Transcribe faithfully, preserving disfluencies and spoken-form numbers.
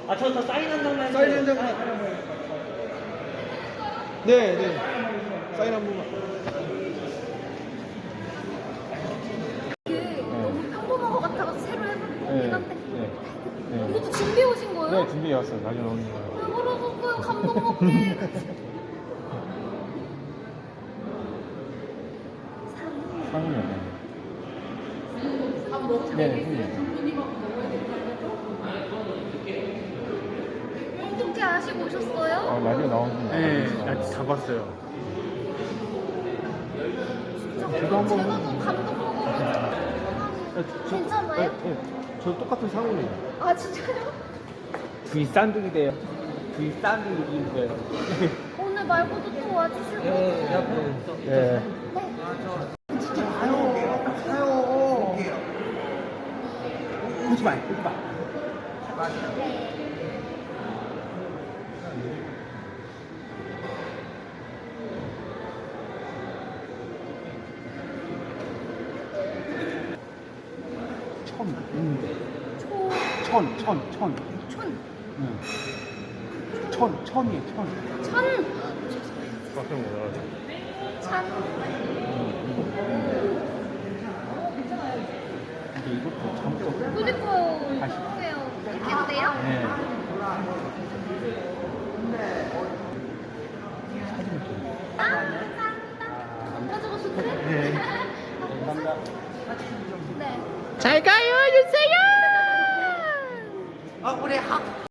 아, 저, 저 사인 한 장만 사인 해주세요. 한 장만. 네, 네. 사인 한 번만. 이게 너무 평범한 것 같아서 새로 해볼 거긴 한데. 네. 네. 이것도 준비해 오신 거예요? 네, 준비해 왔어요. 나중에 오는 거예요. 왜 그러셨어요? 감동 먹게. 상이요. 네, 상이요. 어떻게 아시고 오셨어요? 아, 라디오 나오는 거. 네, 다 봤어요. 진짜 저도 한번- 제가 더 감동 먹어가지고. 괜찮아요? 네, 저 똑같은 상호예요. 아 진짜요? V 쌍둥이 돼요. V 쌍둥이 돼요. 오늘 말고도 또 와주실 거예요? 네. 네. 오지 마, 오지 마. 천, 있는데. 초, 천, 천, 천. 촌, 응. 천, 천이에요, 천. 천, 깜짝 놀라서. 찬. 근데 이것도 잘못 그니까요. 다시. 죄송해요. 이렇게 해도 돼요? 네. 아, 감사합니다. 안 가져가셔도 돼? 네. 감사합니다. 네. 잘 가요, 유세요! 아, 우리 학,